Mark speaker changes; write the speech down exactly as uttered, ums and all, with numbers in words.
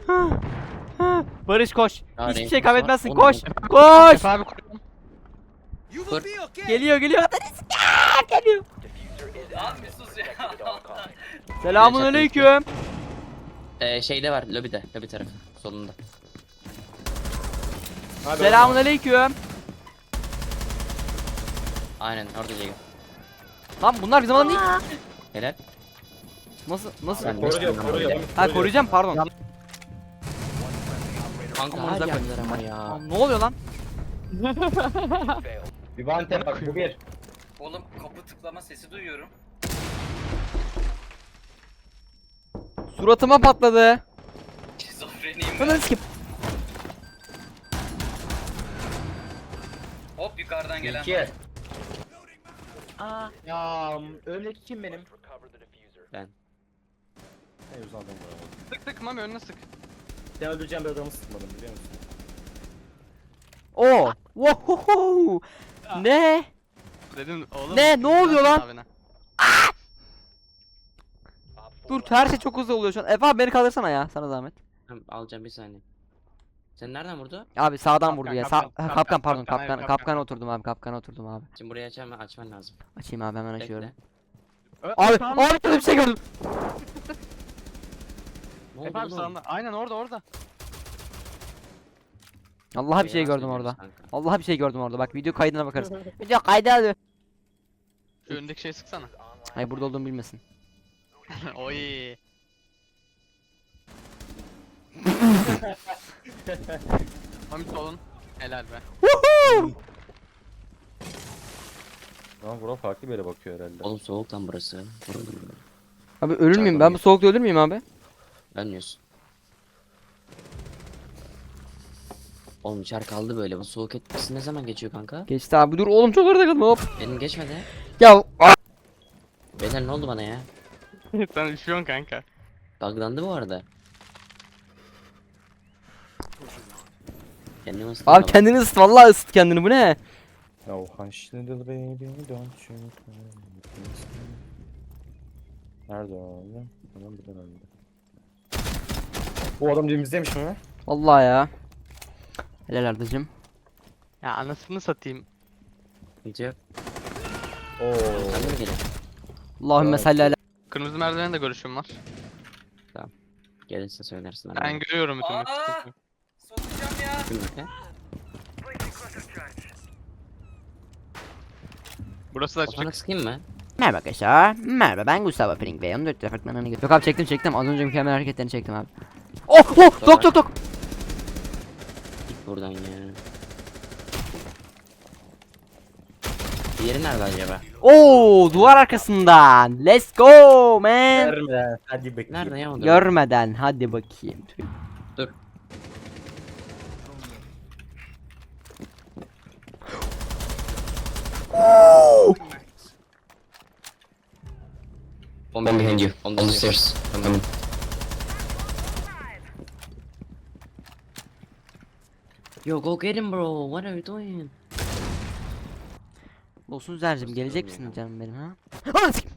Speaker 1: Barış koş.
Speaker 2: Ya,
Speaker 1: Hiçbir
Speaker 2: renk
Speaker 1: şey
Speaker 2: var.
Speaker 1: kaybetmezsin.
Speaker 2: Onu
Speaker 1: Koş.
Speaker 2: ben-
Speaker 1: Koş.
Speaker 3: Efe abi koruyorum.
Speaker 2: Kur.
Speaker 1: Geliyor geliyor. Geliyor.
Speaker 4: Abi bir sus ya.
Speaker 1: Selamun aleyküm.
Speaker 2: Ee, şeyde var, lobide, lobi tarafı, solunda.
Speaker 3: Hadi
Speaker 1: Selamun aleyküm.
Speaker 2: Aynen orada Jago.
Speaker 1: Lan bunlar bizim adam değil.
Speaker 2: Helal.
Speaker 1: Nasıl nasıl?
Speaker 2: Ben
Speaker 3: Koruyacağım,
Speaker 2: de-
Speaker 3: koruyacağım.
Speaker 1: Ha koruyacağım pardon.
Speaker 2: Kanka
Speaker 1: Aman
Speaker 2: her
Speaker 1: da
Speaker 2: yerler ama ya.
Speaker 1: Aa, ne oluyor lan?
Speaker 3: Bir vante bak bu bir.
Speaker 4: Oğlum kapı tıklama sesi duyuyorum.
Speaker 1: Suratıma patladı.
Speaker 4: Şizofreniyim
Speaker 1: Hemen
Speaker 4: ben.
Speaker 1: skip.
Speaker 4: Hop yukarıdan gelen.
Speaker 3: İki.
Speaker 2: Aa.
Speaker 3: Ya önümdeki kim benim?
Speaker 2: Ben.
Speaker 3: Ne yüz adam var.
Speaker 5: Sık sık Mami önüne sık.
Speaker 3: Sen öldüreceğim bir adamı sıkmadım biliyor musun?
Speaker 1: Oo. Wow. Ne?
Speaker 5: Dedim oğlum.
Speaker 1: Ne? Ne oluyor lan?
Speaker 5: abine.
Speaker 1: Dur her şey çok hızlı oluyor şu an. Efe abi beni kaldırsana ya sana zahmet.
Speaker 2: Tamam, alacağım bir saniye. Sen nereden vurdu?
Speaker 1: Abi sağdan
Speaker 5: Kapkan,
Speaker 1: vurdu ya. Sağ
Speaker 5: kapkan,
Speaker 1: kapkan,
Speaker 5: kapkan,
Speaker 1: pardon
Speaker 5: kapkan,
Speaker 1: kapkan
Speaker 5: hayır,
Speaker 1: kapkana
Speaker 5: kapkan.
Speaker 1: oturdum abi kapkana oturdum abi.
Speaker 2: Şimdi burayı açam açman lazım.
Speaker 1: Açayım abi hemen açıyorum.
Speaker 2: Bekle.
Speaker 5: Ö-
Speaker 1: Abi
Speaker 5: tamam.
Speaker 1: abi böyle bir şey gördüm.
Speaker 2: Ne oldu
Speaker 5: Efe abi
Speaker 2: oğlum?
Speaker 5: sağında. Aynen orada orada.
Speaker 1: Allah'a bir şey
Speaker 2: Yalan
Speaker 1: gördüm orada.
Speaker 2: söylüyorsun kanka.
Speaker 1: Allah'a bir şey gördüm orada. Bak video kaydına bakarız. Video kaydı alıyor.
Speaker 5: Şu öndeki şeyi sıksana.
Speaker 1: Hayır burada olduğumu bilmesin.
Speaker 5: Oy. Mami solun. Helal be.
Speaker 3: Lan bura farklı bir yere bakıyor herhalde.
Speaker 2: Oğlum soğuk lan burası. Vurulur.
Speaker 1: Abi ölür müyüm? Ben bu soğukta ölür müyüm abi?
Speaker 2: Ölmüyorsun. Oğlum içer kaldı böyle. Bu soğuk etkisi ne zaman geçiyor kanka?
Speaker 1: Geçti abi dur oğlum çok arada kaldım hop.
Speaker 2: Benim geçmedi.
Speaker 1: Ya
Speaker 2: Beyler ne oldu bana ya?
Speaker 5: Sen üşüyorsun kanka.
Speaker 2: Buglandı bu arada. Kendimi ısıttım
Speaker 1: abi
Speaker 2: ama.
Speaker 1: kendini ısıt vallahi ısıt kendini bu ne?
Speaker 3: Oh hush little baby don't you cry. Nerede o adam? Adam buradan öldü. Bu adam dibimizdeymiş mi?
Speaker 1: Vallahi ya. Helal Ardacım.
Speaker 5: Ya anasını satayım.
Speaker 2: Sıkıntı yok.
Speaker 3: Oo.
Speaker 2: Sen de mi gelin?
Speaker 1: Allahümme
Speaker 3: Evet.
Speaker 1: salli ala.
Speaker 5: Kırmızı merdivende de görüşüm var.
Speaker 2: Gelirse söylersin.
Speaker 5: Ben görüyorum bütün
Speaker 4: Aa!
Speaker 5: maçı.
Speaker 4: Sokacağım ya.
Speaker 2: Şimdi
Speaker 5: Burası da
Speaker 2: Otana
Speaker 5: açık.
Speaker 2: sıkayım mı?
Speaker 1: Merhaba arkadaşlar. Merhaba ben Gustavo Pring ve on dört departmanına gidiyorum. Yok abi çektim çektim. Az önce mükemmel hareketlerini çektim abi. Oh oh tok tok tok.
Speaker 2: Git buradan ya. Diğeri nerede acaba?
Speaker 1: Oo duvar arkasından. Let's go man.
Speaker 3: Görme. Hadi bakayım.
Speaker 2: Nerede ya o da?
Speaker 1: Görmeden hadi bakayım.
Speaker 2: Dur. One behind you. On the stairs. Coming. Yo go get him bro. What are you doing?
Speaker 1: Olsun Zercim gelecek misin canım benim ha? Anam sikim.